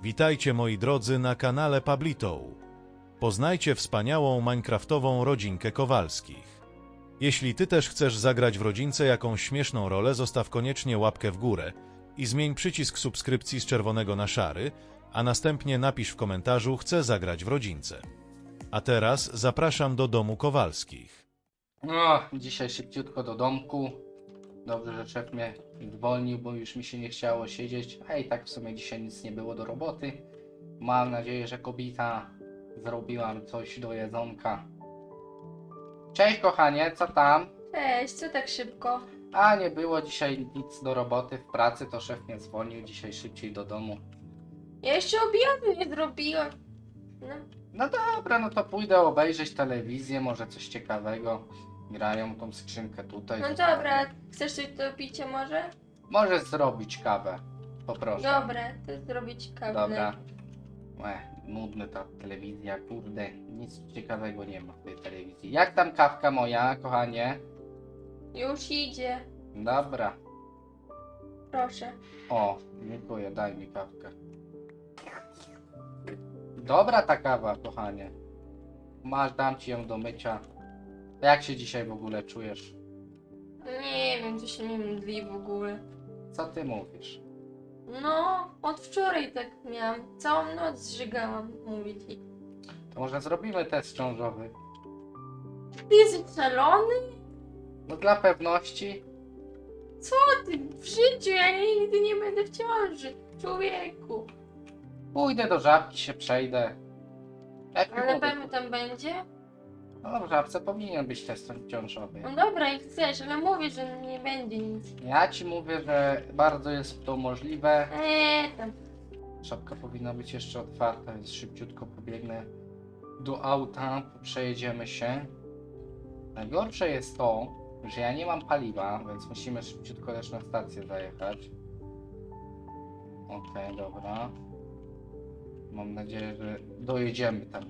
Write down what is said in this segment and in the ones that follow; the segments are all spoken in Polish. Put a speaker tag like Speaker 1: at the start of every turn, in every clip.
Speaker 1: Witajcie moi drodzy na kanale Pablito. Poznajcie wspaniałą minecraftową rodzinkę Kowalskich. Jeśli ty też chcesz zagrać w rodzince jakąś śmieszną rolę, zostaw koniecznie łapkę w górę i zmień przycisk subskrypcji z czerwonego na szary, a następnie napisz w komentarzu chcę zagrać w rodzince. A teraz zapraszam do domu Kowalskich.
Speaker 2: No, dzisiaj szybciutko do domku. Dobrze, że szef mnie zwolnił, bo już mi się nie chciało siedzieć. A i tak w sumie dzisiaj nic nie było do roboty. Mam nadzieję, że kobieta zrobiła mi coś do jedzonka. Cześć kochanie, co tam?
Speaker 3: Cześć, co tak szybko?
Speaker 2: A nie było dzisiaj nic do roboty w pracy, to szef mnie zwolnił dzisiaj szybciej do domu.
Speaker 3: Ja jeszcze obiadu nie zrobiłam. No,
Speaker 2: No dobra, no to pójdę obejrzeć telewizję, może coś ciekawego. Grają tą skrzynkę tutaj.
Speaker 3: no dobra, chcesz coś do picia może?
Speaker 2: Możesz zrobić kawę. Poproszę.
Speaker 3: Dobra, to zrobić kawę.
Speaker 2: Dobra. Nudna ta telewizja, kurde. Nic ciekawego nie ma w tej telewizji. Jak tam kawka moja, kochanie?
Speaker 3: Już idzie,
Speaker 2: Dobra.
Speaker 3: proszę.
Speaker 2: O, dziękuję, daj mi kawkę. Dobra ta kawa, kochanie. Masz, dam ci ją do mycia. Jak się dzisiaj w ogóle czujesz?
Speaker 3: Nie wiem, co się nie mdli w ogóle.
Speaker 2: Co ty mówisz?
Speaker 3: No, od wczoraj tak miałam. Całą noc zżygałam, mówię ci.
Speaker 2: To może zrobimy test ciążowy?
Speaker 3: Ty jesteś szalony?
Speaker 2: No dla pewności.
Speaker 3: Co ty? W życiu ja nigdy nie będę w ciąży. Człowieku.
Speaker 2: Pójdę do żabki, się przejdę. Jak
Speaker 3: Ale
Speaker 2: mi
Speaker 3: na
Speaker 2: powie-
Speaker 3: pewno tam będzie?
Speaker 2: No w żabce powinien być test ciążowy.
Speaker 3: No dobra, jak chcesz, ale mówię, że nie będzie nic.
Speaker 2: Ja ci mówię, że bardzo jest to możliwe.
Speaker 3: Tam.
Speaker 2: Szafka powinna być jeszcze otwarta, więc szybciutko pobiegnę do auta, przejedziemy się. Najgorsze jest to, że ja nie mam paliwa, więc musimy szybciutko też na stację zajechać. Okej, dobra. Mam nadzieję, że dojedziemy tam.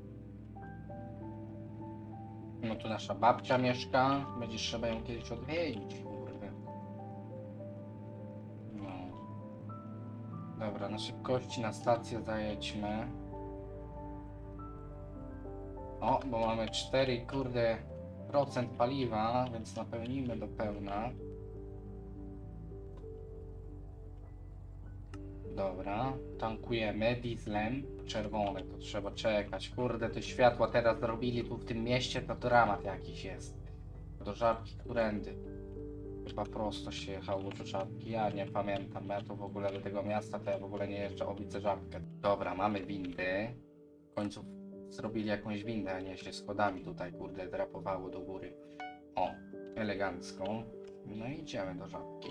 Speaker 2: No tu nasza babcia mieszka, będzie trzeba ją kiedyś odwiedzić, kurde. No. Dobra, na szybkości na stację zajedźmy. O, bo mamy 4, kurde, procent paliwa, więc napełnimy do pełna. Dobra, tankujemy dieslem. Czerwone, to trzeba czekać. Kurde, te światła teraz zrobili tu w tym mieście, to dramat jakiś jest. Do Żabki, którędy? Chyba prosto się jechało do Żabki, ja nie pamiętam. Ja tu w ogóle do tego miasta, to ja w ogóle nie jeżdżę, widzę Żabkę. Dobra, mamy windy. W końcu zrobili jakąś windę, a nie się schodami tutaj, kurde, drapowało do góry. O, elegancko. No i idziemy do Żabki.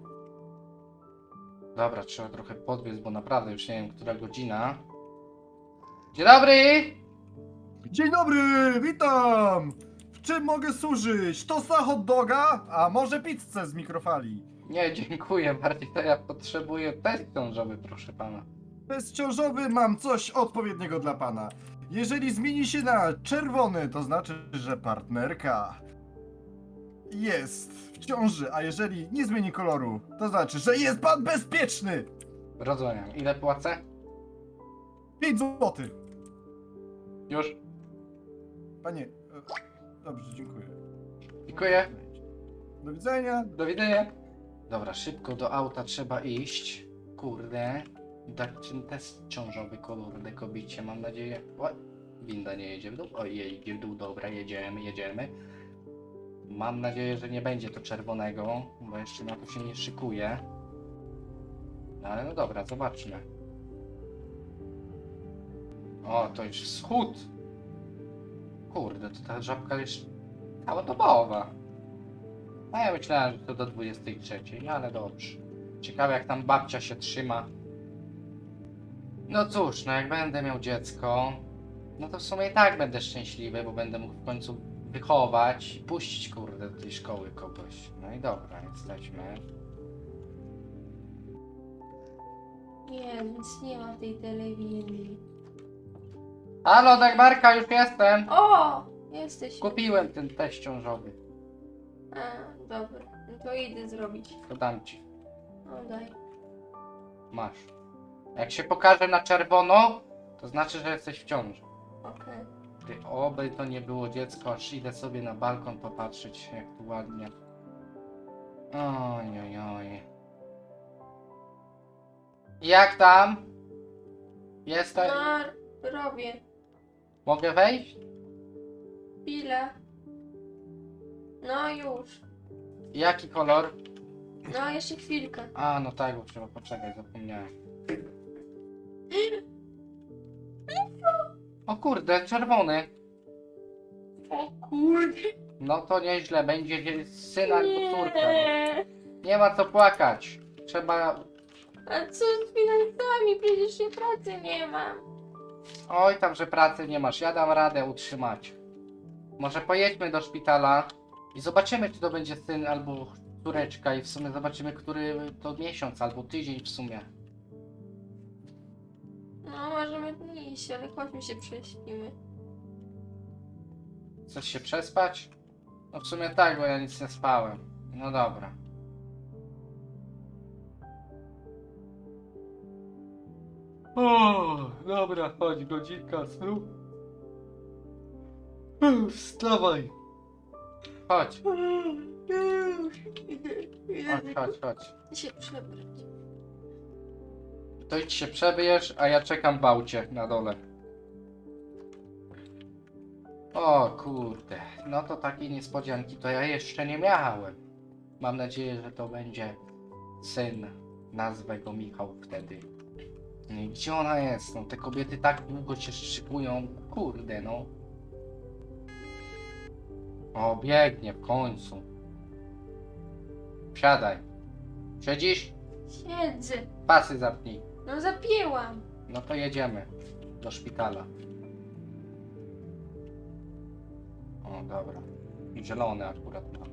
Speaker 2: Dobra, trzeba trochę podbiec, bo naprawdę już nie wiem, która godzina. Dzień dobry!
Speaker 4: Dzień dobry, witam! W czym mogę służyć? Tosta hot doga? A może pizzę z mikrofali?
Speaker 2: Nie, dziękuję, bardziej to ja potrzebuję test ciążowy, proszę pana.
Speaker 4: Bezciążowy mam coś odpowiedniego dla pana. Jeżeli zmieni się na czerwony, to znaczy, że partnerka jest w ciąży, a jeżeli nie zmieni koloru, to znaczy, że jest pan bezpieczny!
Speaker 2: Rozumiem. Ile płacę?
Speaker 4: 5 zł.
Speaker 2: Już.
Speaker 4: Panie, dobrze, dziękuję.
Speaker 2: Dziękuję.
Speaker 4: Do widzenia.
Speaker 2: Do widzenia. Dobra, szybko do auta trzeba iść. Kurde. Dać ten test ciążowy, kurde, kobicie, mam nadzieję. O, winda nie jedzie w dół. O, jedzie w dół, dobra, jedziemy, jedziemy. Mam nadzieję, że nie będzie to czerwonego, bo jeszcze na to się nie szykuje. No ale no dobra, zobaczmy. O, to już wschód. Kurde, to ta Żabka jest całodobowa. A ja myślałem, że to do 23, no ale dobrze. Ciekawe jak tam babcia się trzyma. No cóż, no jak będę miał dziecko, no to w sumie i tak będę szczęśliwy, bo będę mógł w końcu wychować i puścić, kurde, do tej szkoły kogoś. No i dobra, jesteśmy.
Speaker 3: Nie, nic nie ma w tej telewizji.
Speaker 2: Halo, Dagmarka, już jestem!
Speaker 3: O! Jesteś.
Speaker 2: Kupiłem ten test ciążowy.
Speaker 3: A, dobra. No to idę zrobić.
Speaker 2: To dam ci.
Speaker 3: No daj.
Speaker 2: Masz. Jak się pokaże na czerwono, to znaczy, że jesteś w ciąży.
Speaker 3: Okej.
Speaker 2: Ty, oby to nie było dziecko, aż idę sobie na balkon popatrzeć, jak tu ładnie. Oj, oj, oj. Jak tam? Jestem?
Speaker 3: No, robię.
Speaker 2: Mogę wejść?
Speaker 3: Chwilę. No już.
Speaker 2: Jaki kolor?
Speaker 3: No, jeszcze chwilkę.
Speaker 2: A, no tak, bo trzeba poczekać, zapomniałem. O kurde, czerwony.
Speaker 3: O kurde.
Speaker 2: No to nieźle, będzie syn albo córka. No.
Speaker 3: Nie.
Speaker 2: Nie ma co płakać. Trzeba...
Speaker 3: A co z finansami? Przecież ja pracy nie mam.
Speaker 2: Oj, tam, że pracy nie masz, ja dam radę utrzymać. Może pojedźmy do szpitala i zobaczymy, czy to będzie syn albo córeczka i w sumie zobaczymy, który to miesiąc albo tydzień w sumie.
Speaker 3: No, możemy iść, ale chodźmy się prześpimy.
Speaker 2: Chcesz się przespać? No w sumie tak, bo ja nic nie spałem. No dobra. O, dobra, chodź, godzinka snu. Wstawaj. Chodź,
Speaker 3: Już. Idę
Speaker 2: chodź, chodź.
Speaker 3: się przebrać.
Speaker 2: To idź się przebierz, a ja czekam w aucie na dole. O kurde, no to takiej niespodzianki to ja jeszcze nie miałem. Mam nadzieję, że to będzie syn. Nazwę go Michał wtedy. No i gdzie ona jest? No te kobiety tak długo się szykują. Kurde no. O, biegnie w końcu. Wsiadaj. Siedzisz?
Speaker 3: Siedzę.
Speaker 2: Pasy zapnij.
Speaker 3: No, zapięłam.
Speaker 2: No to jedziemy do szpitala. O, dobra. Zielony akurat mam.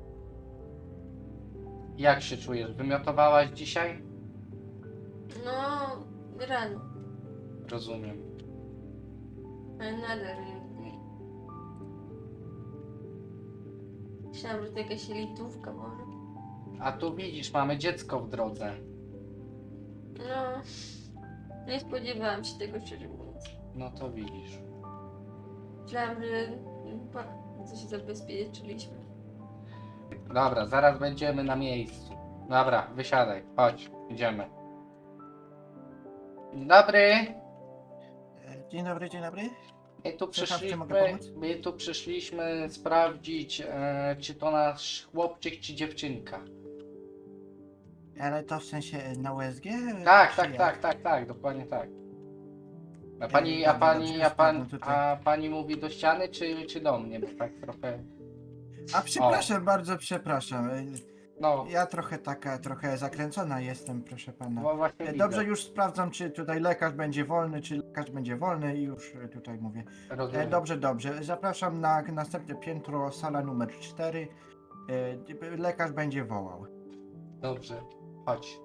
Speaker 2: Jak się czujesz? Wymiotowałaś dzisiaj?
Speaker 3: No, rano.
Speaker 2: Rozumiem.
Speaker 3: Ale nadal nie. Myślałam, że to jakaś litówka może.
Speaker 2: A tu widzisz, mamy dziecko w drodze.
Speaker 3: No, nie spodziewałam się tego, szczerze mówiąc.
Speaker 2: No to widzisz.
Speaker 3: Myślałam, że coś zabezpieczyliśmy.
Speaker 2: Dobra, zaraz będziemy na miejscu. Dobra, wysiadaj. Chodź, idziemy. Dzień dobry.
Speaker 4: Dzień dobry, dzień dobry.
Speaker 2: My tu
Speaker 4: Przepraszam, czy mogę
Speaker 2: przyszliśmy,
Speaker 4: pomóc?
Speaker 2: my tu przyszliśmy sprawdzić, czy to nasz chłopczyk, czy dziewczynka.
Speaker 4: Ale to w sensie na USG?
Speaker 2: Tak,
Speaker 4: czy
Speaker 2: tak,
Speaker 4: jak?
Speaker 2: tak, tak, tak, dokładnie tak. A
Speaker 4: Dobra, dobrze, sprawdzam tutaj.
Speaker 2: a pani mówi do ściany, czy do mnie? Bo tak trochę,
Speaker 4: A przepraszam, bardzo przepraszam.
Speaker 2: no,
Speaker 4: Ja trochę zakręcona jestem, proszę pana.
Speaker 2: bo właśnie
Speaker 4: Dobrze,
Speaker 2: widzę.
Speaker 4: już sprawdzam, czy tutaj lekarz będzie wolny, czy lekarz będzie wolny i już tutaj mówię.
Speaker 2: Rozumiem.
Speaker 4: Dobrze. Zapraszam na następne piętro, sala numer 4. Lekarz będzie wołał.
Speaker 2: Dobrze, chodź.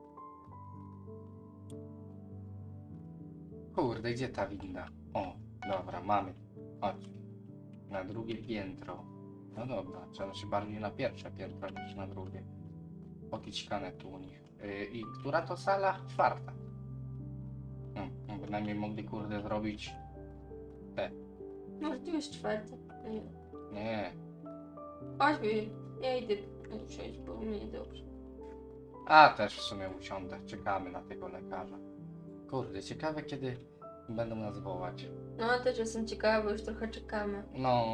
Speaker 2: Kurde, gdzie ta winda? O, dobra, mamy. Chodź. Na drugie piętro. No dobra, trzeba się bardziej na pierwsze piętro niż na drugie. Pokićkane tu u nich. I która to sala? Czwarta. No, bynajmniej mogli kurde zrobić...
Speaker 3: Może tu jest czwarty. Nie.
Speaker 2: Nie.
Speaker 3: Chodźmy, ja idę usiąść, bo mnie dobrze.
Speaker 2: A, też w sumie usiądę. Czekamy na tego lekarza. Kurde, ciekawe kiedy będą nas wołać.
Speaker 3: No, też jestem ciekawa, bo już trochę czekamy.
Speaker 2: No,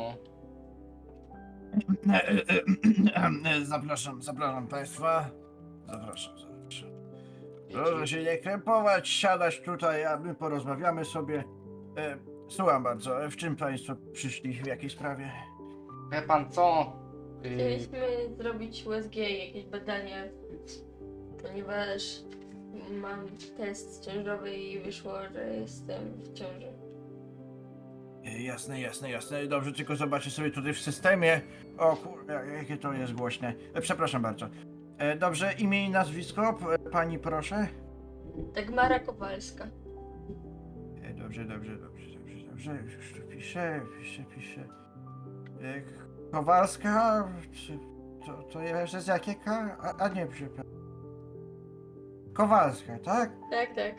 Speaker 4: Zapraszam państwa. Zapraszam. Proszę się nie krępować, siadać tutaj, a my porozmawiamy sobie. Słucham bardzo, w czym państwo przyszli, w jakiej sprawie?
Speaker 2: wie pan co?
Speaker 3: Chcieliśmy zrobić USG, jakieś badania, ponieważ mam test ciążowy i wyszło, że jestem w ciąży.
Speaker 4: Jasne. Dobrze, tylko zobaczę sobie tutaj w systemie. O kurde, jakie to jest głośne. Przepraszam bardzo. Dobrze, imię i nazwisko, pani proszę.
Speaker 3: Dagmara Kowalska.
Speaker 4: Dobrze. Już tu piszę. Kowalska, to jest z jakiego? A nie, przepraszam. Kowalska, tak?
Speaker 3: Tak, tak.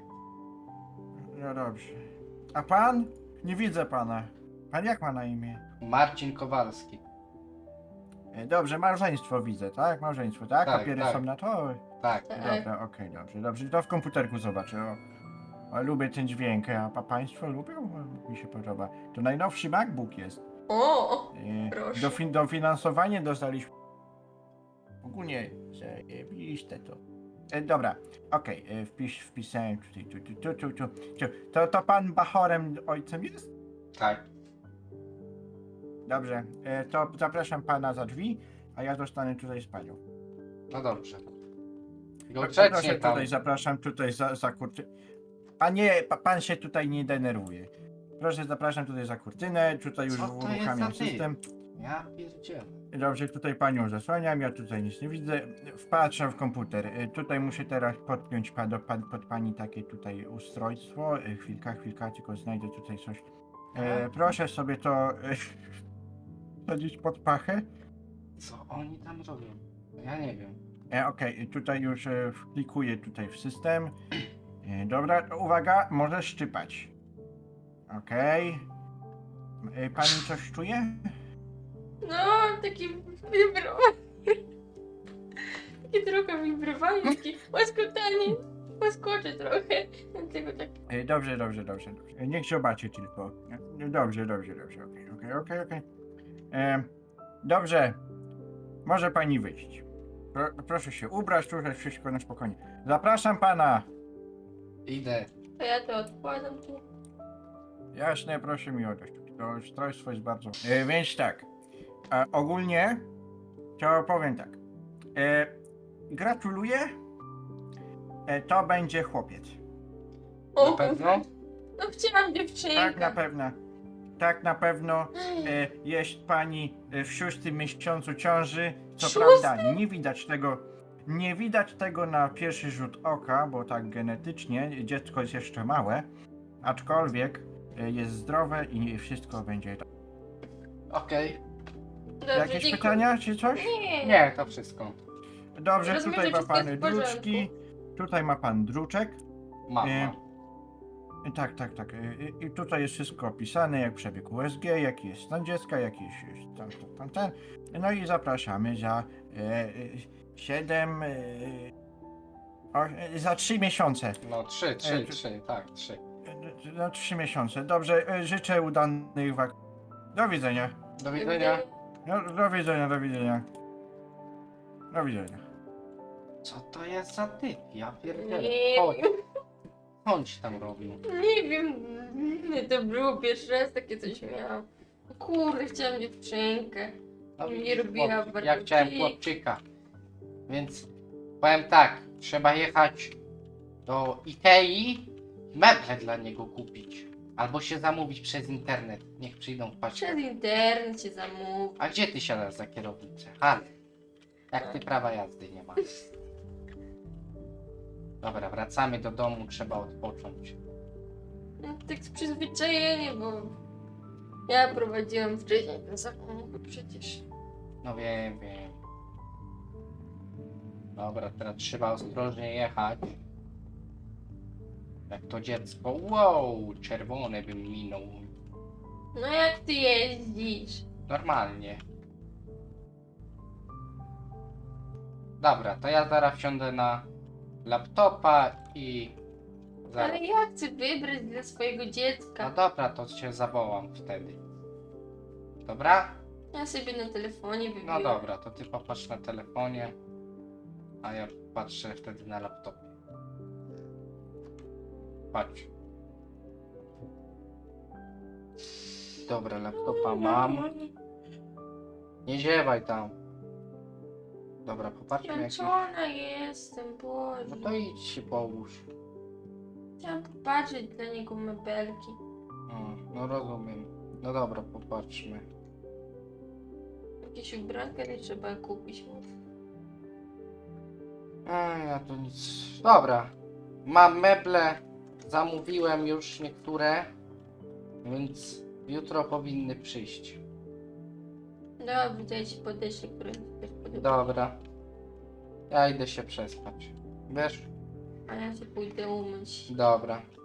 Speaker 4: No dobrze. A pan? Nie widzę pana. Pan jak ma na imię?
Speaker 2: Marcin Kowalski.
Speaker 4: Dobrze, małżeństwo widzę, tak? Małżeństwo, tak?
Speaker 2: Tak,
Speaker 4: Papiery
Speaker 2: tak.
Speaker 4: są na to?
Speaker 2: Tak.
Speaker 3: Tak.
Speaker 4: Dobra, okej, dobrze, dobrze. To w komputerku zobaczę. O, lubię ten dźwięk, a państwo lubią? Mi się podoba. To najnowszy MacBook jest.
Speaker 3: O!
Speaker 4: E,
Speaker 3: Proszę.
Speaker 4: Dofinansowanie dostaliśmy. Ogólnie zajebiście to. Dobra, okej, wpisałem tutaj, to pan Bachorem ojcem jest?
Speaker 2: Tak.
Speaker 4: Dobrze, to zapraszam pana za drzwi, a ja zostanę tutaj z panią.
Speaker 2: No dobrze.
Speaker 4: Proszę,
Speaker 2: Grzecznie tam.
Speaker 4: tutaj zapraszam tutaj za kurtynę. Panie, pan się tutaj nie denerwuje. Proszę, zapraszam tutaj za kurtynę, tutaj już
Speaker 2: Co to jest
Speaker 4: uruchamiam
Speaker 2: za ty?
Speaker 4: system.
Speaker 2: Ja pierdzielę.
Speaker 4: Dobrze, tutaj panią zasłaniam, ja tutaj nic nie widzę. Wpatrzę w komputer. Tutaj muszę teraz podpiąć pod pani takie tutaj ustrojstwo. Chwilka, tylko znajdę tutaj coś. Proszę sobie to wsadzić pod pachę.
Speaker 2: Co oni tam robią? Ja nie wiem.
Speaker 4: Okej, tutaj już wklikuję tutaj w system. Dobra, to uwaga, możesz szczypać. Okej. Pani coś czuje?
Speaker 3: No, takie wibrowanie. Takie trochę wibrowanie, takie łaskotanie. Łaskocze trochę. Dlatego tak.
Speaker 4: Dobrze. Niech zobaczy tylko. Dobrze. Okej. Dobrze. Może pani wyjść. Proszę się ubrać, tutaj wszystko na spokojnie. Zapraszam pana.
Speaker 2: Idę.
Speaker 3: To ja to odkładam tu.
Speaker 4: Jasne, proszę mi oddać. To ustrojstwo jest bardzo... Więc tak. Ogólnie to powiem tak. Gratuluję. To będzie chłopiec.
Speaker 3: O,
Speaker 2: Na pewno?
Speaker 3: no chciałam dziewczynkę.
Speaker 4: Tak na pewno jest pani w 6. miesiącu ciąży. Co
Speaker 3: Szósty?
Speaker 4: prawda nie widać tego na pierwszy rzut oka, bo tak genetycznie dziecko jest jeszcze małe, aczkolwiek jest zdrowe i wszystko będzie tak.
Speaker 2: Okej.
Speaker 3: Dobrze,
Speaker 4: Jakieś
Speaker 3: dziękuję.
Speaker 4: pytania czy coś?
Speaker 3: Nie.
Speaker 2: Nie, to wszystko.
Speaker 4: Dobrze,
Speaker 3: Rozumiem,
Speaker 4: tutaj
Speaker 3: że
Speaker 4: ma pan
Speaker 3: wszystko jest w
Speaker 4: druczki, tutaj ma pan druczek.
Speaker 2: Mama.
Speaker 4: Tak. I tutaj jest wszystko opisane, jak przebieg USG, jaki jest stan dziecka, jaki jest ten. No i zapraszamy za za 3 miesiące.
Speaker 2: No 3, tak, 3.
Speaker 4: Za 3 miesiące. Dobrze, życzę udanych Do widzenia.
Speaker 2: Do widzenia.
Speaker 4: No, do widzenia.
Speaker 2: Co to jest za typ? Ja pierdzielę.
Speaker 3: Nie
Speaker 2: Chodź,
Speaker 3: wiem.
Speaker 2: chodź tam robił.
Speaker 3: Nie wiem. To było pierwszy raz takie coś miałam. Kurde, chciałam dziewczynkę.
Speaker 2: No
Speaker 3: Nie
Speaker 2: widzisz,
Speaker 3: robiła
Speaker 2: chłopczyk.
Speaker 3: bardzo
Speaker 2: Ja chciałem
Speaker 3: pik.
Speaker 2: chłopczyka. Więc powiem tak, trzeba jechać do Ikei, meble dla niego kupić. Albo się zamówić przez internet. Niech przyjdą w paczce.
Speaker 3: Przez internet się zamówi.
Speaker 2: A gdzie ty siadasz za kierownicę? Ale jak ty prawa jazdy nie masz. Dobra, wracamy do domu, trzeba odpocząć.
Speaker 3: No, tak z przyzwyczajenia, bo ja prowadziłam wcześniej ten samochód przecież.
Speaker 2: No wiem. Dobra, teraz trzeba ostrożnie jechać. Jak to dziecko. Wow, czerwone bym minął.
Speaker 3: No jak ty jeździsz?
Speaker 2: Normalnie. Dobra, to ja zaraz wsiądę na laptopa i zaraz.
Speaker 3: Ale ja chcę wybrać dla swojego
Speaker 2: No
Speaker 3: dziecka.
Speaker 2: dobra, to cię zawołam wtedy. Dobra?
Speaker 3: Ja sobie na telefonie
Speaker 2: No
Speaker 3: wybiorę.
Speaker 2: dobra, to ty popatrz na telefonie, a ja patrzę wtedy na laptopie. Patrz. Dobra, laptopa mam. Nie ziewaj tam. Dobra, popatrzmy jak...
Speaker 3: Zmęczona jestem,
Speaker 2: No
Speaker 3: Boże.
Speaker 2: to idź się połóż.
Speaker 3: Chciałam popatrzeć dla niego mebelki.
Speaker 2: No rozumiem. No dobra, popatrzmy.
Speaker 3: Jakieś ubranka nie trzeba kupić.
Speaker 2: Ja tu nic... Dobra. Mam meble. Zamówiłem już niektóre. Więc jutro powinny przyjść.
Speaker 3: Dobrze, to ja ci podeślę, które mi też podoba.
Speaker 2: Dobra. Ja idę się przespać. Wiesz?
Speaker 3: A ja się pójdę umyć.
Speaker 2: Dobra.